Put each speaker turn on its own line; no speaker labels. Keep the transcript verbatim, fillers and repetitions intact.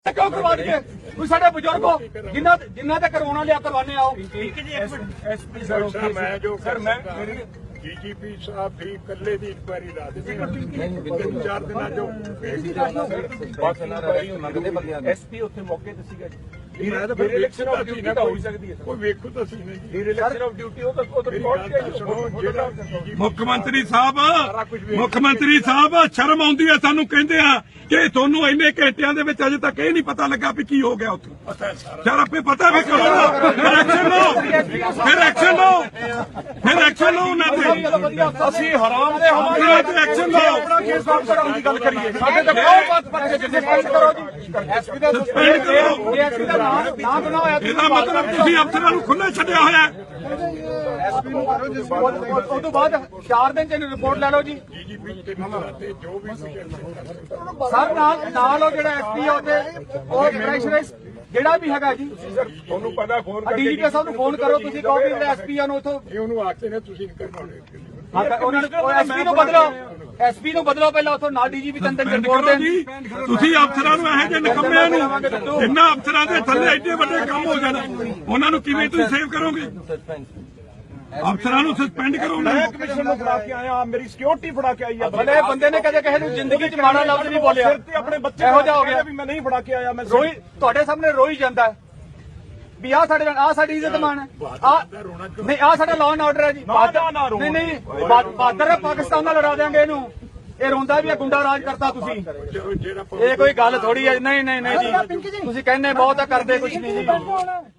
क्यों करवा दिए कोई साढ़े बुजुर्ग हो जिन्ना जिन्ना ते करवाना लिया करवाने आओ।
एसपी सर मैं जो सर मैं डीजीपी साहब भी कल्ले की इंक्वायरी ला देते तीन चार दिन जो
एसपी उत्थे मौके ते सीगा जी
इलेक्शन ऑफ ड्यूटी
हो सकती है
कोई वेखो तो सही नहीं
इलेक्शन ऑफ ड्यूटी हो तो ਉਹ ਤਾਂ ਰਿਕਾਰਡ
सुनो जेड़ा
ਮੁੱਖ ਮੰਤਰੀ ਸਾਹਿਬ ਮੁੱਖ ਮੰਤਰੀ ਸਾਹਿਬ ਸ਼ਰਮ ਆਉਂਦੀ ਹੈ ਸਾਨੂੰ ਕਹਿੰਦੇ ਆ ਕਿ ਤੁਹਾਨੂੰ ਇੰਨੇ ਘੰਟਿਆਂ ਦੇ ਵਿੱਚ ਅਜੇ ਤੱਕ ਇਹ ਨਹੀਂ ਪਤਾ ਲੱਗਾ ਵੀ ਕੀ ਹੋ ਗਿਆ ਉੱਥੇ ਯਾਰ ਆਪੇ ਪਤਾ ਵੀ ਕਰੋ ਫਿਰ ਐਕਸ਼ਨ ਲਓ ਫਿਰ ਐਕਸ਼ਨ ਲਓ ਫਿਰ ਐਕਸ਼ਨ ਲਓ ਉਹਨਾਂ ਤੇ
ਅਸੀਂ ਹਰਾਮ ਦੇ
ਉਹਨਾਂ ਤੇ ਐਕਸ਼ਨ ਲਓ
ਆਪਣਾ ਕੇਸ ਵਾਪਸ ਕਰਾਉਣ ਦੀ ਗੱਲ ਕਰੀਏ ਸਾਡੇ ਤੇ ਬਹੁਤ ਬਾਤ ਪਰ ਜਿੱਥੇ ਫਾਈਟ ਕਰੋ ਜੀ ਐਸਪੀ ਦਾ
ਸਸਪੈਂਡ ਕਰੋ
ਐਸਪੀ ਦਾ ਨਾਮ ਨਾਮ ਬਣਾਓ
ਇਹਦਾ ਮਤਲਬ ਤੁਸੀਂ ਅਫਸਰਾਂ ਨੂੰ ਖੁੱਲ੍ਹਾ ਛੱਡਿਆ ਹੋਇਆ ਹੈ
ਐਸਪੀ ਨੂੰ ਕਰੋ ਜਿਸ ਉਸ ਤੋਂ ਬਾਅਦ ਚਾਰ ਦਿਨ ਚ ਇਹਨੂੰ ਰਿਪੋਰਟ ਲੈ ਲਓ ਜੀ
डीजीपी के नाते जो भी
ਸਰ ਨਾਲ ਨਾਲ ਉਹ ਜਿਹੜਾ ਐਸਪੀ ਆ ਉਹਦੇ ਉਹ ਪ੍ਰੈਸ਼ਰਾਈਜ਼ ਜਿਹੜਾ ਵੀ ਹੈਗਾ ਜੀ
ਤੁਹਾਨੂੰ ਪਤਾ ਫੋਨ
ਡੀਜੀਪੀ ਸਾਹਿਬ ਨੂੰ ਫੋਨ ਕਰੋ ਤੁਸੀਂ ਕਹੋ ਵੀ ਜਿਹੜਾ ਐਸਪੀ ਆ ਨੂੰ ਉਥੋਂ
ਇਹ ਉਹਨੂੰ ਆਖਦੇ ਨੇ ਤੁਸੀਂ ਕਰਵਾਉਣੇ
ਉਹਨਾਂ ਨੂੰ ਐਸਪੀ ਨੂੰ ਬਦਲੋ ਐਸਪੀ ਨੂੰ ਬਦਲੋ ਪਹਿਲਾਂ ਉਥੋਂ ਨਾਲ ਡੀਜੀਪੀ ਤੰਦਰ ਰਿਪੋਰਟ
ਕਰੋ
ਦੇਣ
ਜੀ ਤੁਸੀਂ ਅਫਸਰਾਂ ਨੂੰ ਇਹੋ ਜਿਹੇ ਨਿਕੰਮਿਆਂ ਨੂੰ ਜਿੰਨਾ ਅਫਸਰਾਂ ਦੇ ਥੱਲੇ ਐਡੇ ਵੱਡੇ ਕੰਮ ਹੋ ਜਾਣ ਉਹਨਾਂ ਨੂੰ ਕਿਵੇਂ ਤੁਸੀਂ ਸੇਵ ਕਰੋਗੇ ਅਫਸਰਾਂ ਨੂੰ ਸਸਪੈਂਡ ਕਰੋ ਨਾ
ਕਮਿਸ਼ਨ ਨੂੰ ਫੜਾ ਕੇ ਆਇਆ ਮੇਰੀ ਸਿਕਿਉਰਿਟੀ ਫੜਾ ਕੇ ਆਈ ਆ
ਭਲੇ ਬੰਦੇ ਨੇ ਕਦੇ ਕਿਸੇ ਨੂੰ ਜ਼ਿੰਦਗੀ 'ਚ ਮਾੜਾ ਲਫ਼ਜ਼ ਨਹੀਂ ਬੋਲਿਆ
ਸਿਰ ਤੇ ਆਪਣੇ ਬੱਚੇ
ਇਹੋ ਜਿਹਾ ਹੋ ਗਿਆ
ਵੀ ਮੈਂ ਨਹੀਂ ਫੜਾ ਕੇ ਆਇਆ ਮੈਂ
ਰੋਈ ਤੁਹਾਡੇ ਸਾਹਮਣੇ ਰੋਈ ਜਾਂਦਾ ਹੈ ਵੀ ਆ ਸਾਡੇ ਆ ਸਾਡੀ ਇੱਜ਼ਤ ਮਾਨ ਹੈ ਆ ਨਹੀਂ ਆ ਸਾਡਾ ਲਾਅ ਐਂਡ ਆਰਡਰ ਹੈ ਜੀ ਨਹੀਂ ਨਹੀਂ ਬਾਦਰ ਪਾਕਿਸਤਾਨ ਨਾਲ ਲੜਾ ਦੇਾਂਗੇ ਇਹਨੂੰ ਇਹ ਰੋਂਦਾ ਵੀ ਆ ਗੁੰਡਾ ਰਾਜ ਕਰਤਾ ਤੁਸੀਂ ਇਹ ਕੋਈ ਗੱਲ ਥੋੜੀ ਹੈ ਨਹੀਂ ਨਹੀਂ ਨਹੀਂ ਜੀ ਤੁਸੀਂ ਕਹਿੰਦੇ ਬਹੁਤ ਆ ਕਰਦੇ ਕੁਝ ਨਹੀਂ ਜੀ